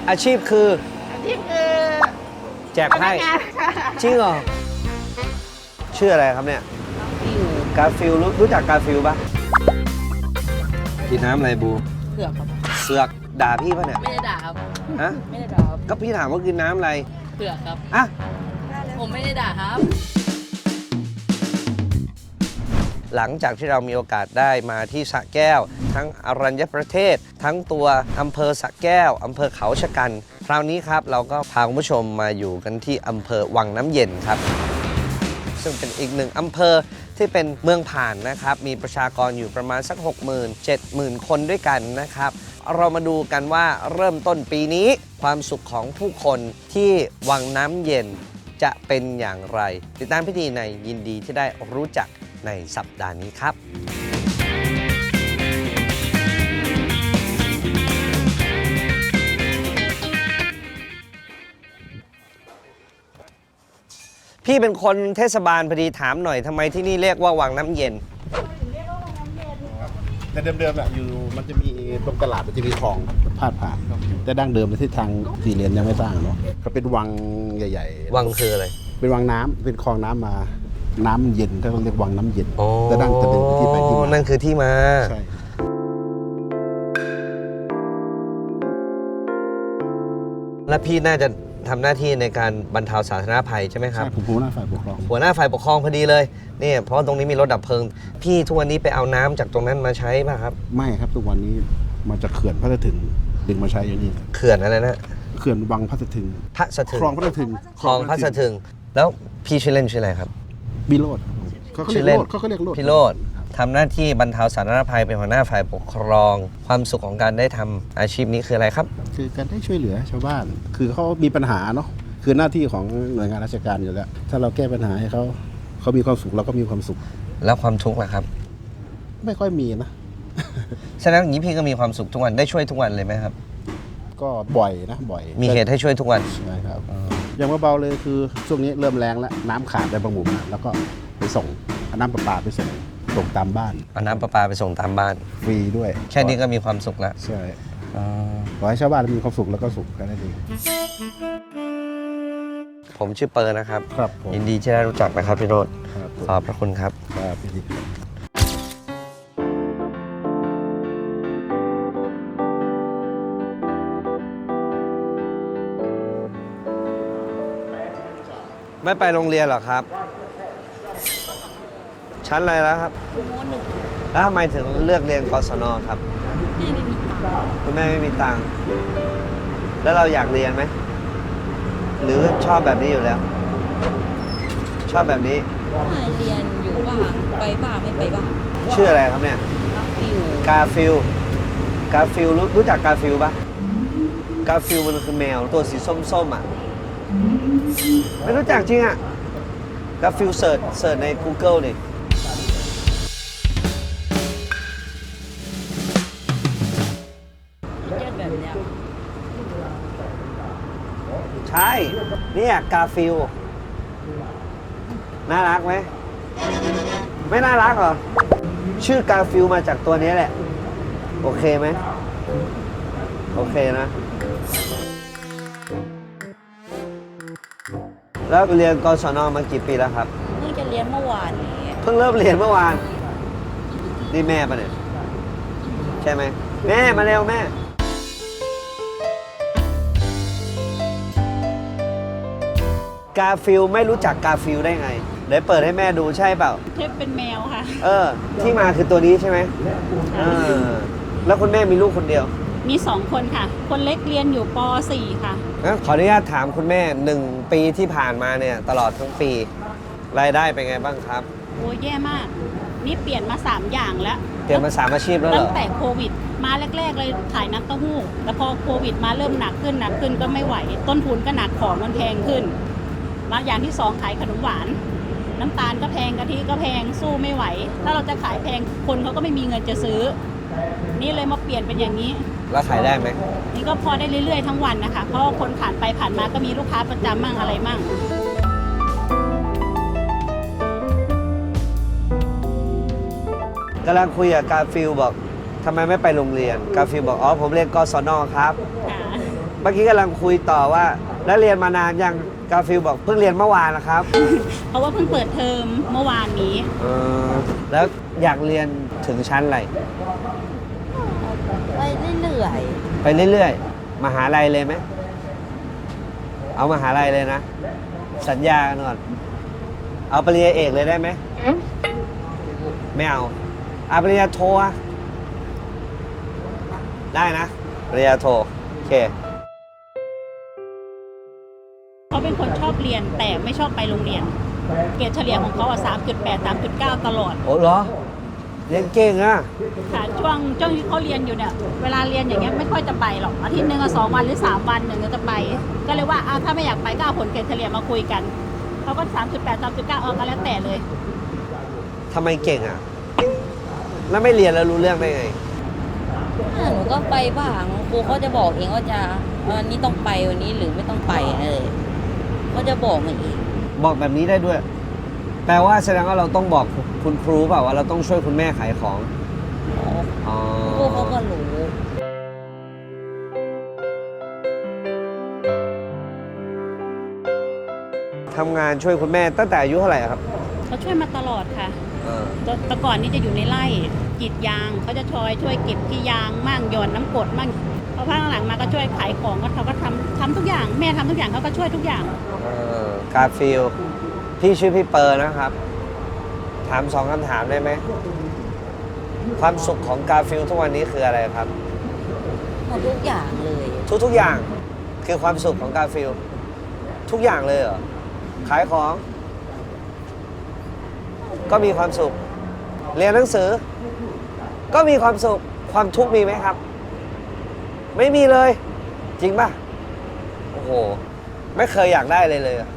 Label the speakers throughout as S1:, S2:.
S1: อาชีพคือ
S2: อาชีพคือ
S1: แจก
S2: พนั
S1: ไพ่
S2: กงานค่ะ
S1: จริงเหรอชื่ออะไรครับเนี่ยกาฟิลรู้จักกาฟิลปะกินน้ำอะไรบู
S3: เผือกครับ
S1: เสือกด่าพี่ปะเนี่ย
S3: ไม่ได้ด่าครับ
S1: ฮะ
S3: ไม่ได้ด่าครับ
S1: ก็พี่ถามว่ากินน้ำอะไร
S3: เผือกครับ
S1: อ่ะ
S3: ผมไม่ได้ด่าครับ
S1: หลังจากที่เรามีโอกาสได้มาที่สระแก้ว ทั้งอรัญญประเทศ ทั้งตัวอำเภอสระแก้วอำเภอเขาชะกันคราวนี้ครับเราก็พาคุณผู้ชมมาอยู่กันที่อำเภอวังน้ำเย็นครับ ซึ่งเป็นอีกหนึ่งอำเภอที่เป็นเมืองผ่านนะครับมีประชากรอยู่ประมาณสัก 60,000-70,000 คนด้วยกันนะครับเรามาดูกันว่าเริ่มต้นปีนี้ความสุขของผู้คนที่วังน้ำเย็นจะเป็นอย่างไร ติดตามพิธีในยินดีที่ได้รู้จักในสัปดาห์นี้ครับพี่เป็นคนเทศบาลพอดีถามหน่อยทำไมที่นี่เรียกว่าวังน้ำเย็น
S4: แต่เดิมๆอะอยู่มันจะมีตรงตลาดมันจะมีคลองพาดผ่านแต่ดั้งเดิมในที่ทางสี่เหลี่ยมยังไม่สร้างเนาะก็เป็นวังใหญ่ๆ
S1: วังคืออะไร
S4: เป็นวังน้ำเป็นคลองน้ำมาน้ำเย็นถ้าเราเรียกวังน้ำเย็นแต่ดั้งแต่เป็นที่ไปที่มา
S1: นั่นคือที่มา
S4: ใช่
S1: และพี่น่าจะทำหน้าที่ในการบรรเทาสาธารณภัยใช่ไหมครับ
S4: ใช่ผมผู้หน้าฝ่ายปกครอง
S1: หัวหน้าฝ่ายปกครองพอดีเลยนี่เพราะตรงนี้มีรถดับเพลิง พี่ทุกวันนี้ไปเอาน้ำจากตรงนั้นมาใช้ป่ะครับ
S4: ไม่ครับทุกวันนี้มาจากเขื่อนพระสะถึงดึงมาใช้อยู่นี่
S1: เขื่อนอะไรนะ
S4: เขื่อนวังพระสะถึง
S1: พระสะถึง
S4: คลองพระสะถึง
S1: คลองพระสะถึง แล้วพี่ชื่อเล่นชื่ออะไรครับ
S4: บิโรดเขาก็เรียกโรดเขาก็เรียกโรด
S1: พี่โรดทำหน้าที่บรรเทาสาธารณภัยเป็นหัวหน้าฝ่ายปกครอง ความสุขของการได้ทำอาชีพนี้คืออะไรครับ
S4: คือการได้ช่วยเหลือชาวบ้าน คือเขามีปัญหาเนาะคือหน้าที่ของหน่วยงานราชการอยู่แล้ว ถ้าเราแก้ปัญหาให้เขามีความสุขเราก็มีความสุข
S1: แล้วความทุกข์ล่ะครับ
S4: ไม่ค่อยมีนะ
S1: ฉะนั้นอย่างนี้พี่ก็มีความสุขทุกวันได้ช่วยทุกวันเลยไหมครับ
S4: ก็บ่อยนะบ่อย
S1: มีเหตุให้ช่วยทุกวัน
S4: ใช่ครับอย่างเบาๆเลยคือช่วงนี้เริ่มแรงแล้วน้ำขาดในบางหมู่บ้านแล้วก็ไปส่งเอาน้ำประปาไปส่งตามบ้าน
S1: เอาน้ำประปาไปส่งตามบ้าน
S4: ฟรีด้วย
S1: แค่นี้ก็มีความสุขแล้ว
S4: ใช่ขอให้ชาวบ้านมีความสุขแล้วก็สุขกันได้ดี
S1: ผมชื่อเปอร์นะครับ
S4: ครับผม
S1: ยินดีที่ได้รู้จักนะครับพี่โรจน์
S4: ครับผม
S1: ขอบพระคุณครับ
S4: ครับพี่ดิครับ
S1: ไม่ไปโรงเรียนหรอครับ ชั้นอะไรแล้วครับแล้วทำไมถึงเลือกเรียนกศนครับคุณแม่ไม่มีตังค์แล้วเราอยากเรียนไหมหรือชอบแบบนี้อยู่แล้ว ชอบแบบนี้
S3: เรียนอยู่บ้างไปบ้างไม่ไปบ้าง
S1: ชื่ออะไรครับเนี่ย
S3: อยู่
S1: กาฟิลรู้จักกาฟิลปะกาฟิลมันคือแมวตัวสีส้มๆอ่ะไม่รู้จักจริงอ่ะกาฟิลเสิร์ชใน Google ดิ
S3: เยอะแบบเนี้ย
S1: ใช่เนี่ยกาฟิลน่ารักไหมไม่น่ารักเหรอชื่อกาฟิลมาจากตัวนี้แหละโอเคไหมโอเคนะแล้วเรียนกศนมากี่ปีแล้วครับ
S3: เพิ่งจะเรียนเมื่อวานนี้
S1: เพิ่งเริ่มเรียนเมื่อวานนี่แม่ปะเนี่ยใช่ไหมแม่มาเร็วแม่กาฟิลไม่รู้จักกาฟิลได้ไงเดี๋ยวเปิดให้แม่ดูใช่เปล่า
S3: เทพเป็นแมวค่ะ
S1: ที่มาคือตัวนี้ใช่ไหมแล้วคุณแม่มีลูกคนเดียว
S5: มี2 คนค่ะ คนเล็กเรียนอยู่ป .4 ค่ะ
S1: งั้นขออนุญาตถามคุณแม่1 ปีที่ผ่านมาเนี่ยตลอดทั้งปีรายได้เป็นไงบ้างครับ
S5: โอ้ยแย่มาก นี่เปลี่ยนมา 3 อย่างแล้ว
S1: เตรียมมา3 อาชีพแล้วเหร
S5: ตั้
S1: อง
S5: แต่โควิด มาแรก ๆ เลยขายน้ำเต้าหู้ แต่พอโควิดมาเริ่มหนักขึ้นก็ไม่ไหว ต้นทุนก็หนักของมันแพงขึ้น มาอย่างที่ 2 ขายขนมหวาน น้ำตาลก็แพงกะทิก็แพงสู้ไม่ไหว ถ้าเราจะขายแพงคนเขาก็ไม่มีเงินจะซื้อ นี่เลยมาเปลี่ยนเป็นอย่างนี้
S1: แล้วขายได้ไหม
S5: นี่ก็พอได้เรื่อยๆทั้งวันนะคะ เพราะว่าคนผ่านไปผ่านมาก็มีลูกค้าประจำมั่งอะไรมั่ง
S1: กำลังคุยกับกาฟิลบอกทำไมไม่ไปโรงเรียนกาฟิลบอกอ๋อผมเรียนกศนครับ
S5: ค่ะ
S1: เมื่อกี้กำลังคุยต่อว่า แล้วเรียนมานานยังกาฟิลบอกเพิ่งเรียนเมื่อวานนะครับ
S5: เพราะว่าเพิ่งเปิดเทอมเมื่อวานนี้
S1: แล้วอยากเรียนถึงชั้นอะไร
S3: ไปเรื่อย
S1: ไปเรื่อยๆ มหาลัยเลยไหม เอามหาลัยเลยนะ สัญญากันก่อน เอาปริญญาเอกเลยได้ไหม ไม่เอาปริญญาโทอะได้นะ ปริญญาโท โอเค
S5: เขาเป็นคนชอบเรียนแต่ไม่ชอบไปโรงเรียน เกรดเฉลี่ยของเขาอะ3.8 3.9 ตลอด
S1: โอ้เหรอ เรียนเก่งอะ
S5: ค่ะช่วงที่เขาเรียนอยู่เนี่ยเวลาเรียนอย่างเงี้ยไม่ค่อยจะไปหรอกอาทิตย์หนึ่งอะ2 วันหรือ3 วันหนึ่งก็จะไป ก็เลยว่าถ้าไม่อยากไปก็เอาผลเกรดเฉลี่ยมาคุยกันเขาก็ 3.8 3.9 ก็แล้วแต่เลย
S1: ทำไมเก่งอะแล้วไม่เรียนแล้วรู้เรื่องได้ไง
S3: หนูก็ไปบ้างครูเขาจะบอกเองว่าจะวันนี้ต้องไปวันนี้หรือไม่ต้องไปเขาจะบอกมาเอง
S1: บอกแบบนี้ได้ด้วย แปลว่าแสดงว่าเราต้องบอกคุณครูเปล่าว่าเราต้องช่วยคุณแม่ขายของ อ๋อ
S3: ครูเขาก็รู้
S1: ทำงานช่วยคุณแม่ตั้งแต่อายุเท่าไหร่ครับ
S5: เขาช่วยมาตลอดค่ะแต่ก่อนนี้จะอยู่ในไร่กรีดยางเขาจะช่วยเก็บที่ยางมั่งหย่อนน้ำกรดมั่งพอพักหลังมาก็ช่วยขายของก็เขาก็ทำทุกอย่างแม่ทำทุกอย่างเขาก็ช่วยทุกอย่าง
S1: กาฟิลพี่ชื่อพี่เปอร์นะครับ ถาม2 คำถามได้ไหม ความสุขของกาฟิลทุกวันนี้คืออะไรครับ
S3: หมดทุกอย่างเลย
S1: ทุกอย่างคือความสุขของกาฟิลทุกอย่างเลยเหรอ ขายของ ก็มีความสุข เรียนหนังสือ ก็มีความสุข ความทุกข์มีไหมครับ ไม่มีเลย จริงป่ะ โอ้โห ไม่เคยอยากได้เลยอะ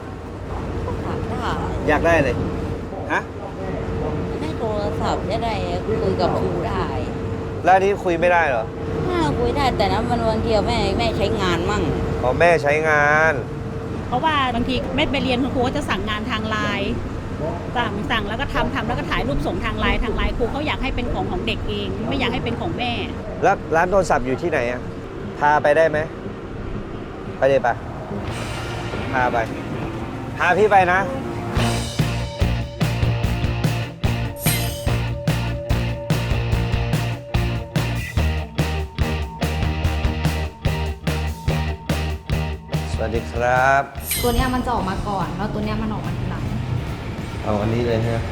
S3: อยากได้
S1: อยากได้เลย ฮะ
S3: ได้โทรศัพท์จะได้คุยกับครูได้
S1: แล้วอันนี้คุยไม่ได้เหรอ
S3: คุยได้แต่นั้นมันวันเดียวแม่ใช้งานมั่ง
S1: อ๋อแม่ใช้งาน
S5: เพราะว่าบางทีไม่ไปเรียนคุณครูก็จะสั่งงานทางไลน์สั่งแล้วก็ทำแล้วก็ถ่ายรูปส่งทางไลน์ครูเขาอยากให้เป็นของเด็กเอง ไม่อยากให้เป็นของแม่
S1: แล้วร้านโทรศัพท์อยู่ที่ไหนอะพาไปได้ไหม ไปเลยปะพาไป พาพี่ไปนะ สวัสดีครับ
S2: ตัวเนี้ยมันจะออกมาก่อน แล้วตัวเนี้ยมันออกมาทีหลัง
S1: เอาอันนี้เลยฮะ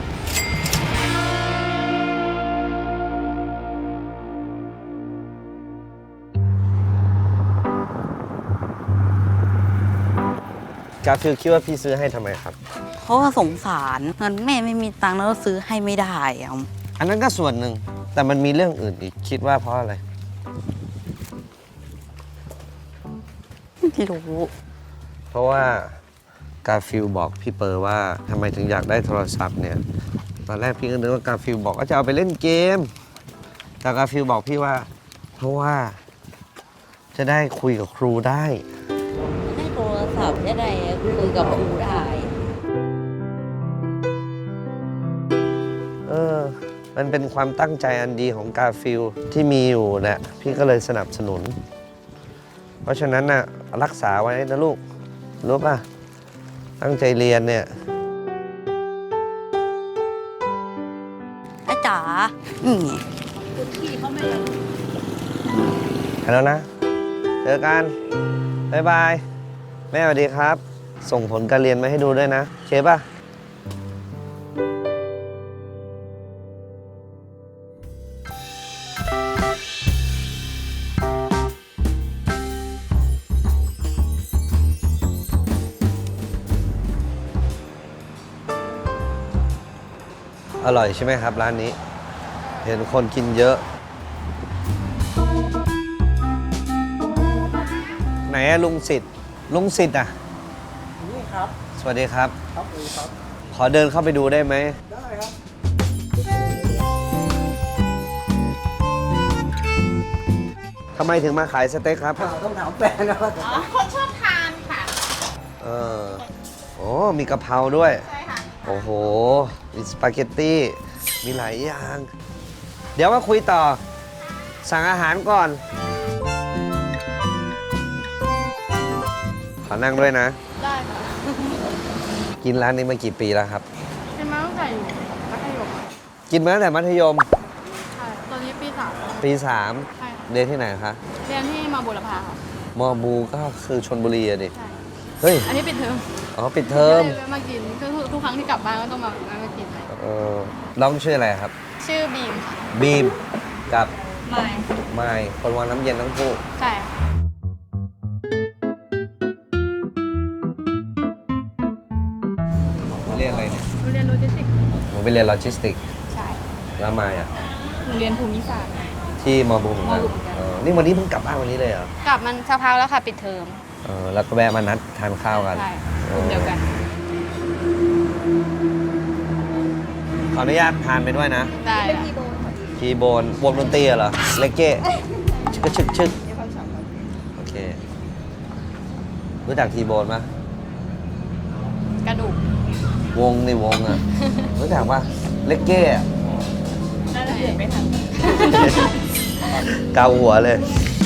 S1: กาฟิลคิดว่าพี่ซื้อให้ทำไมครับ
S3: เพราะว่าสงสารเงินแม่ไม่มีตังค์แล้วซื้อให้ไม่ได้อะ
S1: อันนั้นก็ส่วนหนึ่ง แต่มันมีเรื่องอื่นอีก คิดว่าเพราะอะไร
S3: ไม่รู้
S1: เพราะว่ากาฟิลบอกพี่เปอร์ว่าทำไมถึงอยากได้โทรศัพท์เนี่ย ตอนแรกพี่ก็นึกว่ากาฟิลบอกว่าจะเอาไปเล่นเกม แต่กาฟิลบอกพี่ว่า เพราะว่าจะได้คุยกับครูได้
S3: ได้โทรศัพท์จะได้คุยกับครูได้
S1: มันเป็นความตั้งใจอันดีของกาฟิลที่มีอยู่นะพี่ก็เลยสนับสนุน เพราะฉะนั้นน่ะรักษาไว้นะลูก รู้ป่ะ ตั้งใจเรียนเนี่ย
S3: อาจ๋านี่ไง
S5: พี่เขาไม่
S1: ไปแล้วนะ เจอกัน บ๊ายบาย แม่สวัสดีครับ ส่งผลการเรียนมาให้ดูด้วยนะโอเคป่ะ อร่อยใช่ไหมครับร้านนี้ เห็นคนกินเยอะ ไหนอะลุงสิทธิ์ลุงสิทธิ์อะนี่ครับ สวัสดีครับ ครับสวัสดีครับ ขอเดินเข้าไปดูได้ไหม ได้ครับ ทำไมถึงมาขายสเต็กครับ
S6: ต้องถามแฟนนะครับ
S5: คนชอบทานค่ะ
S1: โอ้มีกะเพราด้วย ใช่ค่ะ โอ้โห มีสปาเกตตี้ มีหลายอย่าง เดี๋ยวมาคุยต่อ สั่งอาหารก่อนขอนั่งด้วยนะ
S2: ได้ค่ะ
S1: กินร้านนี้มากี่ปีแล้วครับ
S2: เป็นมาตั้งแต่อยู่มัธยม
S1: กินมาตั้งแต่มัธยม
S2: ใช่ ตอนนี้ปีสาม
S1: ปี
S2: ใช่ค่ะ
S1: 3 เรียนที่ไหนคะ
S2: เรียนที่มาบุรพาค่ะ
S1: มอบูก็คือชนบุรีอะดิ
S2: ใช่
S1: เฮ้ย
S2: อันนี้ปิดเทอม
S1: อ๋อ ปิดเทอม
S2: ก็เลยมากินทุกครั้งที่กลับบ้านก็ต้องมากิน
S1: น้องชื่ออะไรครับ
S2: ชื่อบีมค่ะ
S1: บีมกับ
S2: ไม่
S1: ไมค์คนวางน้ำเย็นทั้งคู่
S2: ใช่ค่ะ
S1: เรียนอะไรเนี่ย
S2: หนูเรียนโลจิสติกส์
S1: ผมไปเรียนโลจิสติก
S2: ใช่
S1: แล้วไมค์อ่ะ
S2: หนูเรียนภูมิศาสตร์
S1: ที่มอบูเหมือนกัน
S2: มอบูเหมือนกัน
S1: นี่วันนี้เพิ่งกลับบ้านวันนี้เลยเหรอ
S2: กลับมันสักพักแล้วค่ะปิดเทอม
S1: แล้วก็แวะมานัดทานข้าวกัน
S2: ใช่กลุ่มเดียวกัน
S1: ขออนุญาตทานไปด้วยนะ
S2: ได้ค่ะ
S1: คีย์โบนวงดนตรีเหรอ เลกเก้ชึกชึกโอเค รู้จักคีย์โบนปะ
S2: กระดูก
S1: วงในวงอ่ะ รู้จักปะเลกเก้อะ
S2: น่าจะเห็นไม่ทัน
S1: เกาหัวเลย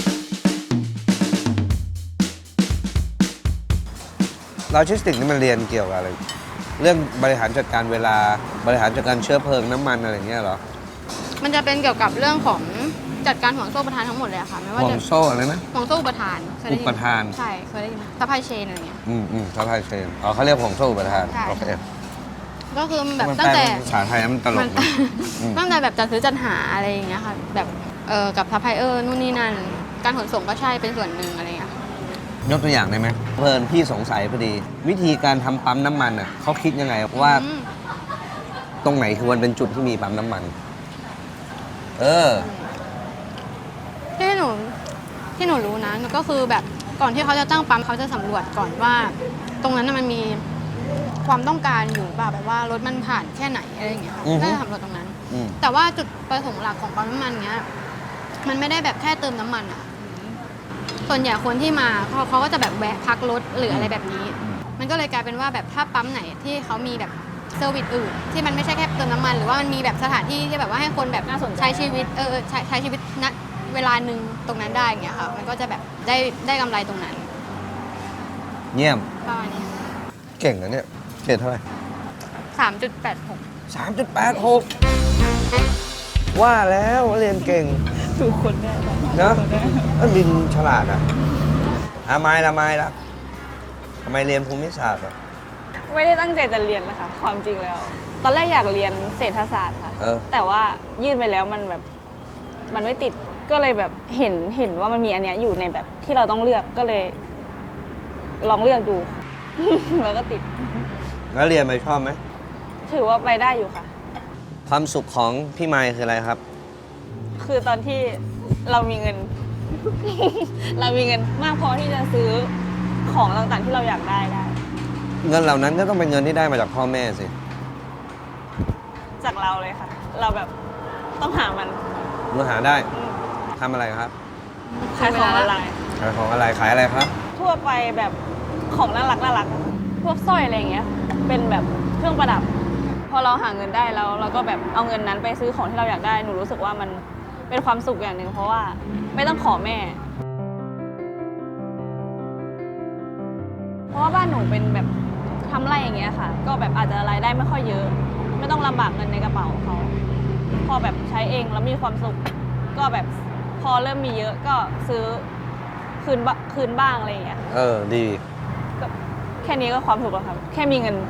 S1: โลจิสติกนี่มันเรียนเกี่ยวกับอะไร เรื่องบริหารจัดการเวลา บริหารจัดการเชื้อเพลิงน้ำมันอะไรอย่างเงี้ยเหรอ
S2: มันจะเป็นเกี่ยวกับเรื่องของจัดการห่วงโซ่อุปทานทั้งหมดเลยอะค่ะ ไม่ว่า
S1: ห่ว
S2: จะ
S1: งโซ่อะไรนะ
S2: ห่วงโซ่อุปทานเคยได้ยิน
S1: อุปทาน
S2: ใช่ เคยได้ยินซัพพลายเชนอะไรเงี้ย
S1: ซัพพลายเชนอ๋อเขาเรียกห่วงโซ่อุปทาน
S2: ใช่
S1: โอเค
S2: ก็คือแบบ
S1: มัน
S2: ตั้งแต่
S1: ภาษาไทยมันตล
S2: มั
S1: ก
S2: น
S1: นะอืม
S2: ตั้งแต่แบบจัดซื้อจัดหาอะไรอย่างเงี้ยค่ะ แบบกับซัพพลายเออร์นู่นนี่นั่น การขนส่งก็ใช่เป็นส่วนหนึ่งอะไรเงี้ยค่ะ
S1: ยกตัวอย่างได้ไหมเพลินพี่สงสัยพอดี วิธีการทำปั๊มน้ำมันอ่ะเขาคิดยังไงว่า
S2: อืม
S1: ตรงไหนคือมันเป็นจุดที่มีปั๊มน้ำมัน
S2: ที่หนูรู้นะก็คือแบบก่อนที่เขาจะตั้งปั๊มเขาจะสำรวจก่อนว่า ตรงนั้นน่ะมันมีความต้องการอยู่เปล่าแบบว่ารถมันผ่านแค่ไหนอะไรอย่างเงี้ยค่ะ
S1: อือฮึ
S2: น่าจะสำรวจตรงนั้น
S1: อืม
S2: แต่ว่าจุดประสงค์หลักของปั๊มน้ำมันเนี้ย มันไม่ได้แบบแค่เติมน้ำมันอะส่วนใหญ่คนที่มาเขาก็จะแบบแวะพักรถหรืออะไรแบบนี้ มันก็เลยกลายเป็นว่าแบบถ้าปั๊มไหนที่เขามีแบบเซอร์วิสอื่น ที่มันไม่ใช่แค่เติมน้ำมันหรือว่ามันมีแบบสถานที่ที่แบบว่าให้คนแบบ
S3: น่าสนใจ
S2: ใช้ชีวิตใช้ชีวิตณเวลาหนึ่งตรงนั้นได้อย่างเงี้ยค่ะ มันก็จะแบบได้กำไรตรงนั้น
S1: เยี่ยม
S2: ประมาณนี้
S1: เก่งนะเนี่ยเกรดเท่าไหร่
S2: 3.86
S1: 3.86 ว่าแล้วว่าเรียนเก่ง
S3: ถูกคนแน่
S1: เนอะมันบินฉลาดอ่ะไม่ละทำไมเรียนภูมิศาสตร์อ่ะ
S6: ไม่ได้ตั้งใจจะเรียนนะคะ ความจริงแล้ว ตอนแรกอยากเรียนเศรษฐศาสตร์ค่ะ แต่ว่ายื่นไปแล้วมันแบบมันไม่ติดก็เลยแบบเห็นว่ามันมีอันเนี้ยอยู่ในแบบที่เราต้องเลือกก็เลย ลองเลือกดู แล้วก็ติด
S1: แล้วเรียนไปชอบไหม
S6: ถือว่าไปได้อยู่ค่ะ
S1: ความสุขของพี่ไมค์คืออะไรครับ
S6: คือตอนที่เรามีเงิน เรามีเงินมากพอที่จะซื้อของต่างๆที่เราอยากได้
S1: เงินเหล่านั้นก็ต้องเป็นเงินที่ได้มาจากพ่อแม่สิ
S6: จากเราเลยค่ะ เราแบบต้องหามัน
S1: เมื่อหาได้ทำอะไรครับ
S6: ขายของออนไลน์
S1: ขายของอะไรขายอะไรครับ
S6: ทั่วไปแบบของน่ารักพวกสร้อยอะไรอย่างเงี้ย เป็นแบบเครื่องประดับ พอเราหาเงินได้แล้วเราก็แบบเอาเงินนั้นไปซื้อของที่เราอยากได้หนูรู้สึกว่ามันเป็นความสุขอย่างหนึ่งเพราะว่าไม่ต้องขอแม่ เพราะว่าบ้านหนูเป็นแบบทำไร่อย่างเงี้ยค่ะ ก็แบบอาจจะรายได้ไม่ค่อยเยอะ ไม่ต้องลำบากเงินในกระเป๋าเขาพอแบบใช้เองแล้วมีความสุข ก็แบบพอเริ่มมีเยอะก็ซื้อคืนบ้างอะไรอย่างเงี้ย
S1: ดี
S6: ก็แค่นี้ก็ความสุขแล้วครับ แค่มีเงิน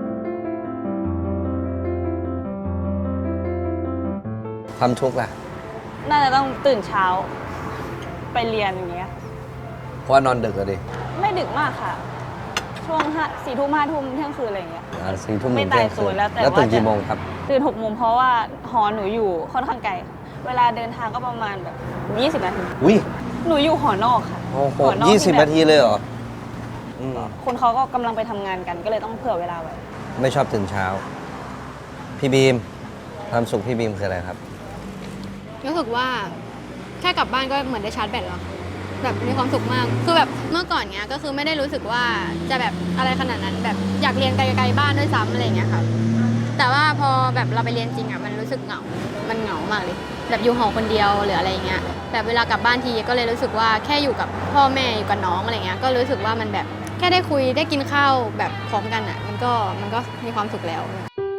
S1: ความทุกข์ล่ะ
S6: น่าจะต้องตื่นเช้า ไปเรียนอย่างเงี้ย
S1: เพราะว่านอนดึกอะดิ
S6: ไม่ดึกมากค่ะ ช่วง4 ทุ่ม 5 ทุ่มเที่ยงคืนอะไรอย่างเงี้ย
S1: 4 ทุ่ม
S6: ไม่
S1: ถึงเที่ยง
S6: ตายตั
S1: คื
S6: วน แล้วแต่
S1: แล้วตื่น
S6: ว่า
S1: กี่โมงครับ
S6: ตื่น6 โมงเพราะว่าหอหนูอยู่ค่อนข้างไกลค่ะเวลาเดินทางก็ประมาณแบบ20 นาที
S1: อุ้ย
S6: หนูอยู่หอนอกค่ะ
S1: โอ้โห
S6: หอนอก
S1: 20 นาทีเลยเหรออืม
S6: คนเขาก็กำลังไปทำงานกันก็เลยต้องเผื่อเวลาไว้
S1: ไม่ชอบตื่นเช้า พี่บีม ความสุขพี่บีมคืออะไรครับ
S2: รู้สึกว่าแค่กลับบ้านก็เหมือนได้ชาร์จแบตแล้วแบบมีความสุขมากคือแบบเมื่อก่อนเนี้ยก็คือไม่ได้รู้สึกว่าจะแบบอะไรขนาดนั้นแบบอยากเรียนไกลๆบ้านด้วยซ้ำอะไรเงี้ยค่ะแต่ว่าพอแบบเราไปเรียนจริงอ่ะมันรู้สึกเหงา มันเหงามากเลยแบบอยู่หอคนเดียวหรืออะไรเงี้ยแบบเวลากลับบ้านทีก็เลยรู้สึกว่าแค่อยู่กับพ่อแม่อยู่กับน้องอะไรเงี้ยก็รู้สึกว่ามันแบบแค่ได้คุยได้กินข้าวแบบพร้อมกันอ่ะ มันก็มีความสุขแล้ว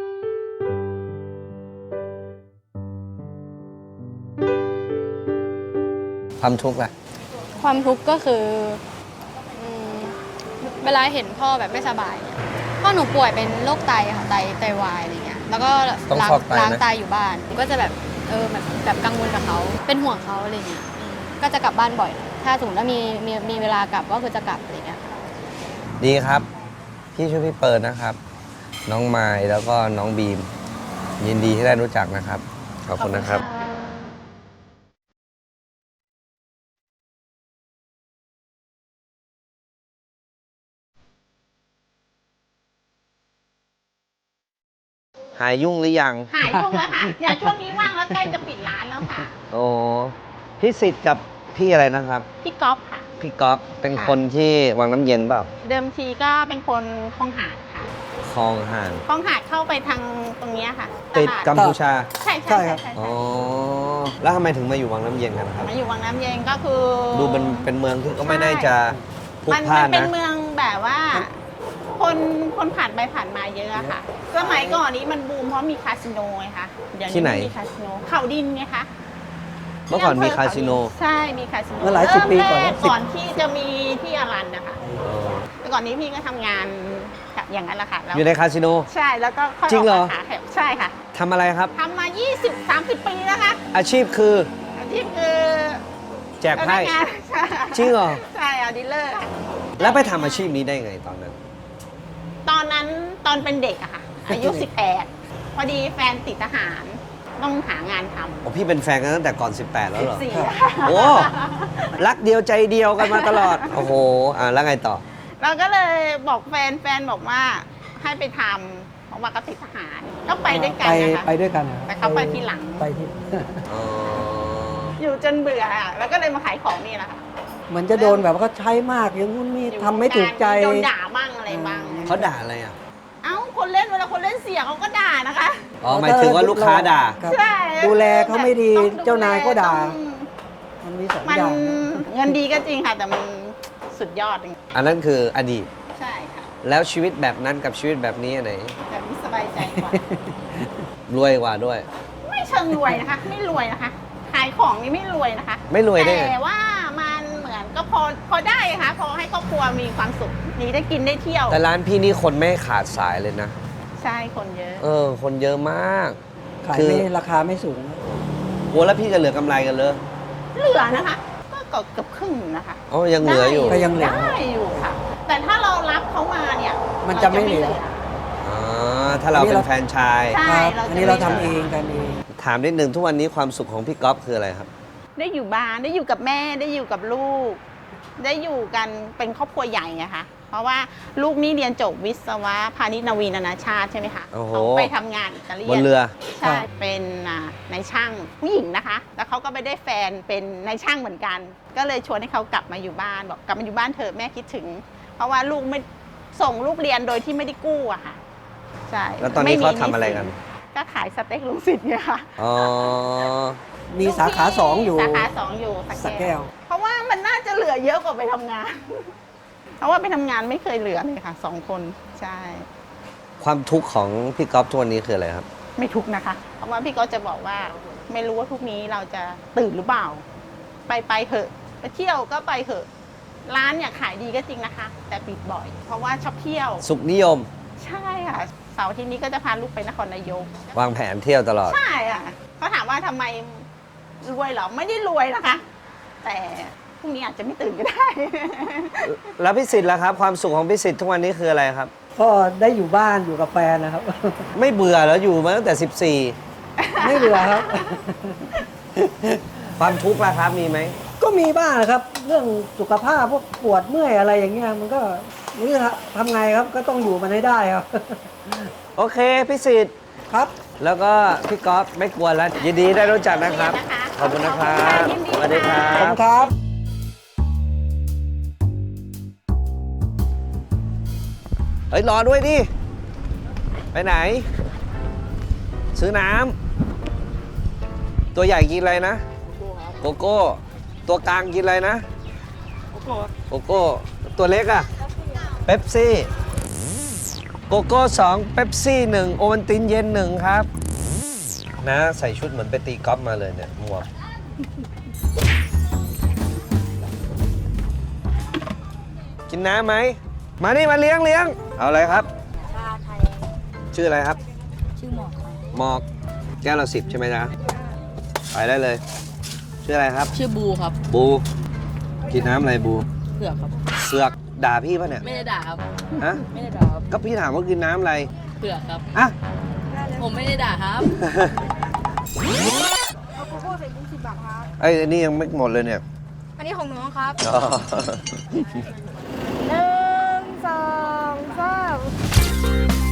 S1: ความทุกข์ล่ะ
S2: ความทุกข์ก็คืออืมเวลาเห็นพ่อแบบไม่สบายเนี่ยพ่อหนูป่วยเป็นโรคไตค่ะไตวายอะไรเงี้ยแล้วก็
S1: ต้อง
S2: ล้าง
S1: ฟอกไตนะ
S2: ล้างไตอยู่บ้านก็จะแบบแบบกังวลกับเขาเป็นห่วงเขาอะไรเงี้ยก็จะกลับบ้านบ่อย ถ้าสมมติว่ามีเวลากลับก็คือจะกลับอะไรเงี้ย
S1: ดีครับ พี่ชื่อพี่เปิดนะครับ น้องไมล์แล้วก็น้องบีม ยินดีที่ได้รู้จักนะครับ ขอบคุณนะครับ หายยุ่งหรือยัง
S5: หายยุ่งแล้วค่ะอย่างช่วงนี้ว่างแล้วใกล้จะปิดร้านแล้วค่ะ
S1: โอ้พี่สิทธิ์กับพี่อะไรนะครับ
S5: พี่ก๊อฟค่ะ
S1: พี่ก๊อฟเป็นคนที่วังน้ำเย็นเปล่า
S5: เดิมทีก็เป็นคนคลองหาดค่ะ
S1: คลองห่าง
S5: คลองหาดเข้าไปทางตรงเนี้ยค่ะ
S1: ติดกัมพูชา
S5: ใช่ใช่ใช่
S1: อ๋อ แล้วทำไมถึงมาอยู่วังน้ำเย็นกันครับ
S5: มาอยู่วังน้ำเย็นก็คือ
S1: ดูเป็นเมืองที่ก็ไม่ได้จะพลุก
S5: มัน
S1: พล่าน
S5: เป็น
S1: นะ
S5: เมืองแบบว่า คนผ่านไปผ่านมาเยอะอะค่ะ สมัยก่อนนี้มันบูมเพราะมีคาสิโนไงคะเดี๋ยว
S1: ที่ไหน
S5: ม่มีคาสิโนเขาดินไงคะ
S1: เมื่อก่อนมีคาสิโน
S5: ใช่มีคาสิโน
S7: เมื่อหลายสิบปีก่อน
S5: เริ่มแร
S7: 10
S5: ก่อนที่จะมีที่อารันนะคะ
S1: เออ
S5: แต่ก่อนนี้พี่ก็ทำงานอย่างนั้นแหละค่ะแล้ว
S1: อยู่ในคาสิโน
S5: ใช่แล้วก็ค่อย
S1: จริงเหรอ
S5: กมาขาแถวใช่ค่ะ
S1: ทำอะไรครับ
S5: ทำมา 20-30 ปีแล้วค่ะ
S1: อาชีพคือ
S5: อาชีพคือ
S1: แจกไพ่
S5: พนังานใช่
S1: จริงเหรอ
S5: ใช่เอาดีลเลอร์
S1: แล้วไปทำอาชีพนี้ได้ไงตอนนั้น
S5: ตอนนั้นตอนเป็นเด็กอะค่ะ อายุ 18 พอดีแฟนติดทหารต้องหางานทำ
S1: โอ้พี่เป็นแฟนกันตั้งแต่ก่อน 18 แล้วเหรอ
S5: 14
S1: โอ้ รักเดียวใจเดียวกันมาตลอด โอ้โห แล้วไงต่อ
S5: เราก็เลยบอกแฟนบอกว่าให้ไปทำเพราะว่าก็ติดทหารก็ไปด้วยกันนะคะ
S7: ไปด้วยกัน
S5: แต่เขาไปทีหลัง
S7: ไปที่
S1: อ๋อ
S5: อยู่จนเบื่ออะแล้วก็เลยมาขายของนี่แหละค่ะ
S7: เหมือนจะโดนแบบว่าเขาใช้มากอย่างนู้นนี่ทำไม่ถูกใจ
S5: โดนด่าบ้างอะไรบ้าง
S1: เขาด่าอะไรอ่ะ
S5: เอ้าคนเล่นเวลาคนเล่นเสียเขาก็ด่านะคะ
S1: อ๋อ หมายถึงว่าลูกค้าด่า
S7: ครับ
S5: ใช่
S7: ดูแลเขาไม่ดี
S5: ต้องดูแล
S7: เจ้านายก็ด่า
S5: ต้อง
S7: มันมีสอง
S5: มัน
S7: อย่าง
S5: เงินดีก็จริงค่ะ แต่มันสุดยอดจริง
S1: อันนั้นคืออดีต
S5: ใช่ค่ะ
S1: แล้วชีวิตแบบนั้นกับชีวิตแบบนี้อันไหน
S5: แบบนี้สบายใจกว่า
S1: รวยกว่าด้วย
S5: ไม่เชิงรวยนะคะ ไม่รวยนะคะ ขายของนี่ไม่รวยนะคะ
S1: ไม่รวยได้ไง
S5: แต่ว่ามันเหมือนก็พอได้ค่ะพอให้ครอบครัวมีความสุขนี่ได้กินได้เที่ยว
S1: แต่ร้านพี่นี่คนไม่ขาดสายเลยนะ
S5: ใช่คนเยอะ
S1: คนเยอะมาก
S7: ขาย
S1: คือ
S7: ไม่ราคาไม่สูง
S1: โอ้แล้วพี่จะเหลือกำไรกันเลย
S5: เหลือนะคะ ก็เกือบครึ่งนะคะ
S1: อ๋อ ยังเหลืออยู่
S7: ก็ยังเหลือ
S5: ได้อยู่ค่ะ แต่ถ้าเรารับเขามาเนี่ย
S7: มันจะไม่เหลือ
S1: อ๋อ ถ้าเราเป็นแฟรนไชส์
S5: ใช่
S7: ครับ
S5: จะ
S7: อันนี้เราทำเองกันเอง
S1: ถามนิดนึงทุกวันนี้ความสุขของพี่ก๊อฟคืออะไรครับ
S5: ได้อยู่บ้านได้อยู่กับแม่ได้อยู่กับลูก ได้อยู่กันเป็นครอบครัวใหญ่ไงคะเพราะว่าลูกนี่เรียนจบวิศวะพาณิชย์นวีนานาชาติใช่ไหมคะ
S1: โอ้โห
S5: เขาไปทำงานอิตาเลียน
S1: บนเรือ
S5: ใช่ เป็นนายช่างผู้หญิงนะคะ แล้วเขาก็ไปได้แฟนเป็นนายช่างเหมือนกัน ก็เลยชวนให้เขากลับมาอยู่บ้านบอกกลับมาอยู่บ้านเถอะแม่คิดถึง เพราะว่าลูกไม่ส่งลูกเรียนโดยที่ไม่ได้กู้อะค่ะใช่
S1: แล้วตอนนี้เขาทำอะไรกัน
S5: ก็ขายสเต็กลุงสิทธิ์ไงค่ะ
S1: อ๋อ
S7: มีสาขาสองอยู่
S5: สาขาสองอยู่
S7: สระแก้ว
S5: เพราะว่ามันน่าจะเหลือเยอะกว่าไปทำงาน เพราะว่าไปทำงานไม่เคยเหลือเลยค่ะ2 คนใช่
S1: ความทุกข์ของพี่ก๊อฟทุกวันนี้คืออะไรครับ
S5: ไม่ทุกข์นะคะ เพราะว่าพี่ก็จะบอกว่าไม่รู้ว่าพรุ่งนี้เราจะตื่นหรือเปล่า ไปเถอะไปเที่ยวก็ไปเถอะ ร้านเนี่ยขายดีก็จริงนะคะ แต่ปิดบ่อย เพราะว่าชอบเที่ยว
S1: สุขนิยม
S5: ใช่ค่ะเสาร์อาที่นี้ก็จะพาลูกไปนครนายก
S1: วางแผนเที่ยวตลอด
S5: ใช่อ่ะเขาถามว่าทำไมรวยเหรอไม่ได้รวยนะคะ แต่พรุ่งนี้อาจจะไม่ตื่นก็ได้
S1: แล้วพี่สิทธิ์ล่ะครับ ความสุขของพี่สิทธิ์ทุกวันนี้คืออะไรครับ
S7: ก็ได้อยู่บ้านอยู่กับแฟนนะครับ
S1: ไม่เบื่อแล้วอยู่มาตั้งแต่
S7: ไม่เบื่อครับ
S1: 14 ความทุกข์ล่ะครับมีไหม
S7: ก็มีบ้างนะครับ เรื่องสุขภาพพวกปวดเมื่อยอะไรอย่างเงี้ยมันก็นี่ทำไงครับก็ต้องอยู่มันให้ได้ครับ
S1: โอเคพี่สิทธิ์
S7: ครับ
S1: แล้วก็พี่ก๊อฟไม่กลัวแล้ว ยินดีได้รู้จักนะครับ ขอบคุณนะครับ
S5: ยินดี
S1: สวัสดีครั
S7: ขอบคุ
S1: บ
S7: ณครับ
S1: เฮ้ย รอด้วยดิ ไปไหน ซื้อน้ำตัวใหญ่กินอะไรนะ โกโก้ ตัวกลางกินอะไรนะ โกโก้ ตัวเล็กอะเป๊ปซี่โกโก้2เป๊ปซี่1โอวัลตินเย็น1ครับนะใส่ชุดเหมือนไปตีกอล์ฟมาเลยเนี่ยหมวกกินน้ำไหมมานี่มาเลี้ยงเอาอะไรครับ
S3: ชาไทย
S1: ชื่ออะไรครับ
S3: ชื่อหมอกครับ
S1: หมอกแก้วละ10ใช่ไหมจ๊ะไปได้เลย ชื่ออะไรครับ
S3: ชื่อบูครับ
S1: บูกินน้ำอะไรบู
S3: เผือกครับ
S1: เสือกด่าพี่ป่ะเนี่ย
S3: ไม่ได้ด่าครับ
S1: ฮะ
S3: ไม่ได้ด่าครับ
S1: ก็พี่ถามว่ากินน้ำอะไร
S3: เผือกครับ
S1: อ่ะ
S3: ผมไม่ได้ด่าครับ
S1: ไอ้ยอันนี้ยังไม่หมดเลยเนี่ย
S2: อันนี้ของน้องครับ
S1: อ๋อ
S2: 1 2 3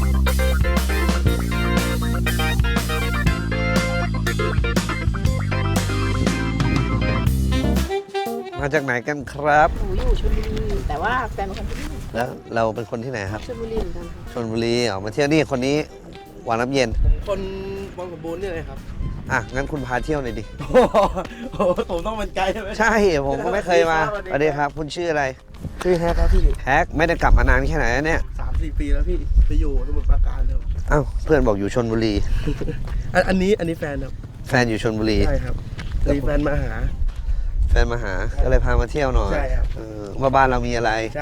S1: มาจากไหนกันครับ
S5: หนูอยู่ชลบุรีแต่ว่าแฟนเป็นคนที่นี่
S1: แล้วเราเป็นคนที่ไหนครับ
S5: ชลบุรีเหมือนกันค่ะ
S1: ชลบุรีออกมาเที่ยวนี่คนนี้หวานน้ำเย็น
S8: คนบางสมบูรณ์นี่เลยครับ
S1: อ่ะ งั้นคุณพาเที่ยวหน่อยดิ
S8: โอ้โหผมต้องเป็นไกด์ใช่ไหม
S1: ใช่ ผมก็ไม่เคยมาสวัสดีครับ คุณชื่ออะไร
S8: ชื่อแฮกครับพี่
S1: แฮกไม่ได้กลับมานานแค่ไหนแล้วเนี่ย
S8: 3-4 ปีแล้วพี่ ไปอยู่สมุทรปราการเลย
S1: อ้าว เพื่อนบอกอยู่ชลบุรี
S8: อันนี้แฟนครับ
S1: แฟนอยู่ชลบุรี
S8: ใช่ครับมีแฟนมาหา
S1: แฟนมาหา ก็เลยพามาเที่ยวหน่อย
S8: ใช่ครับ
S1: ว่าบ้านเรามีอะไร
S8: ใช่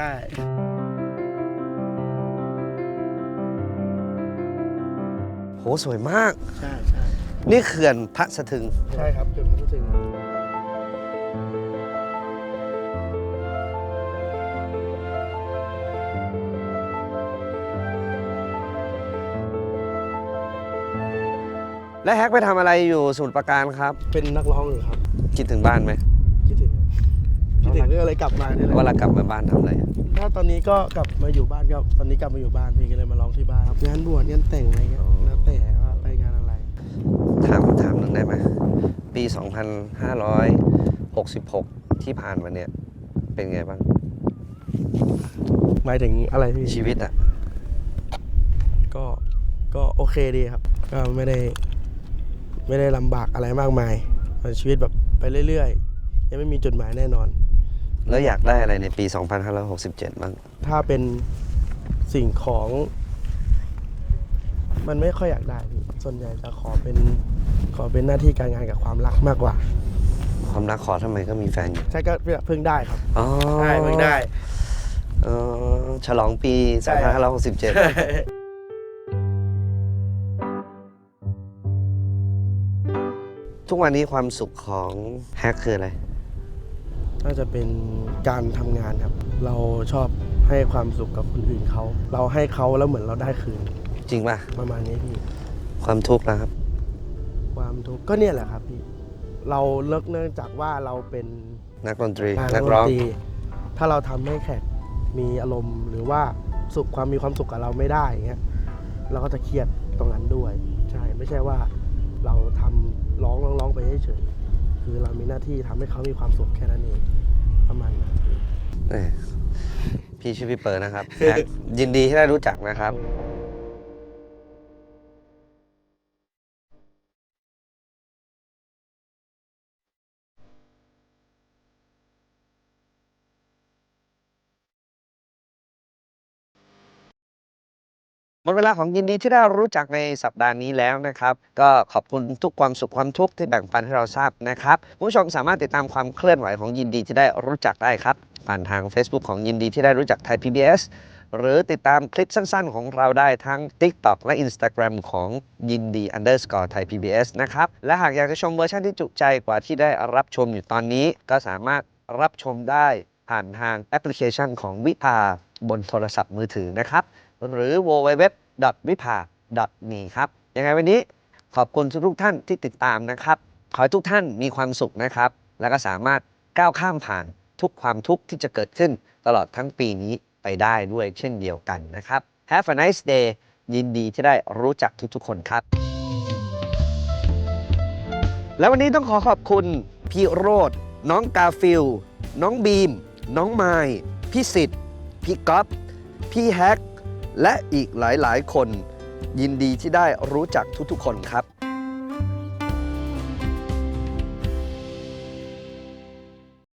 S1: โห สวยมาก
S8: ใช่
S1: นี่เขื่อนพระสะทึง
S8: ใช่ครับจนพัทถึง
S1: และแฮกไปทำอะไรอยู่สมุทรปราการครับ
S8: เป็นนักร้องอยู่ครับ
S1: คิดถึงบ้านไหม
S8: คิดถึงก็เลยกลับมาเนี่ยแหละ
S1: เวลากลับมาบ้านทำอะไร
S8: ถ้าตอนนี้ก็กลับมาอยู่บ้านก็ตอนนี้กลับมาอยู่บ้านพี่ก็เลยมาร้องที่บ้านครับงานบวชงานแต่งอะไรเงี้ยแล้วแต่ว่าไปงานอะไร
S1: ถามหนึ่งได้ไหมปี 2566 ที่ผ่านมาเนี่ยเป็นไงบ้าง
S8: หมายถึงอะไรพี่
S1: ชีวิตอะ
S8: ก็โอเคดีครับ ก็ไม่ได้ลำบากอะไรมากมายชีวิตแบบไปเรื่อยๆ ยังไม่มีจุดหมายแน่นอน
S1: แล้วอยากได้อะไรในปี 2567 บ้าง
S8: ถ้าเป็นสิ่งของ มันไม่ค่อยอยากได้พี่ส่วนใหญ่จะขอเป็นหน้าที่การงานกับความรักมากกว่า
S1: ความรักขอทำไมก็มีแฟนอยู่
S8: ใช่ก็เพิ่งได้ครับ
S1: อ๋อ
S8: ใช่เพิ่งได้
S1: ฉลองปี
S8: ใช่ครับ
S1: 2567 ทุกวันนี้ความสุขของแฮกคืออะไร
S8: น่าจะเป็นการทำงานครับ เราชอบให้ความสุขกับคนอื่นเขา เราให้เขาแล้วเหมือนเราได้คืน
S1: จริงป่ะ
S8: ประมาณนี้พี่
S1: ความทุกข์นะครับ
S8: ความทุกข์ก็เนี่ยแหละครับพี่ เราเนื่องจากว่าเราเป็น
S1: นักดนตรี
S8: นั
S1: นั
S8: ก
S1: ก
S8: ร้
S1: ร้
S8: อ
S1: อง ง
S8: ถ้าเราทำให้แขกมีอารมณ์หรือว่ามีความสุขกับเราไม่ได้อย่างเงี้ยเราก็จะเครียดตรงนั้นด้วย ใช่ไม่ใช่ว่าเราทำร้องไปเฉยๆคือเรามีหน้าที่ทำให้เขามีความสุขแค่นั้นเองประมาณนั้น
S1: พี่ชื่อพี่เปิร์นะครับ แฮกยินดีที่ได้รู้จักนะครับ หมดเวลาของยินดีที่ได้รู้จักในสัปดาห์นี้แล้วนะครับ ก็ขอบคุณทุกความสุขความทุกข์ที่แบ่งปันให้เราทราบนะครับผู้ชมสามารถติดตามความเคลื่อนไหวของยินดีที่ได้รู้จักได้ครับ ผ่านทาง Facebook ของยินดีที่ได้รู้จักไทย PBS หรือติดตามคลิปสั้นๆ ของเราได้ทั้ง TikTok และ Instagram ของยินดี _Thai PBS นะครับและหากอยากจะชมเวอร์ชันที่จุใจกว่าที่ได้รับชมอยู่ตอนนี้ ก็สามารถรับชมได้ผ่านทางแอปพลิเคชันของวิภาบนโทรศัพท์มือถือนะครับหรือ www.vipa.me ครับยังไงวันนี้ขอบคุณทุกท่านที่ติดตามนะครับขอให้ทุกท่านมีความสุขนะครับแล้วก็สามารถก้าวข้ามผ่านทุกความทุกข์ที่จะเกิดขึ้นตลอดทั้งปีนี้ไปได้ด้วยเช่นเดียวกันนะครับ Have a nice day ยินดีที่ได้รู้จักทุกๆคนครับและวันนี้ต้องขอขอบคุณพี่โรจน์น้องกาฟิลน้องบีมน้องไมล์พี่สิทธิ์พี่ก๊อฟพี่แฮกและอีกหลายๆคนยินดีที่ได้รู้จักทุกๆคนครับ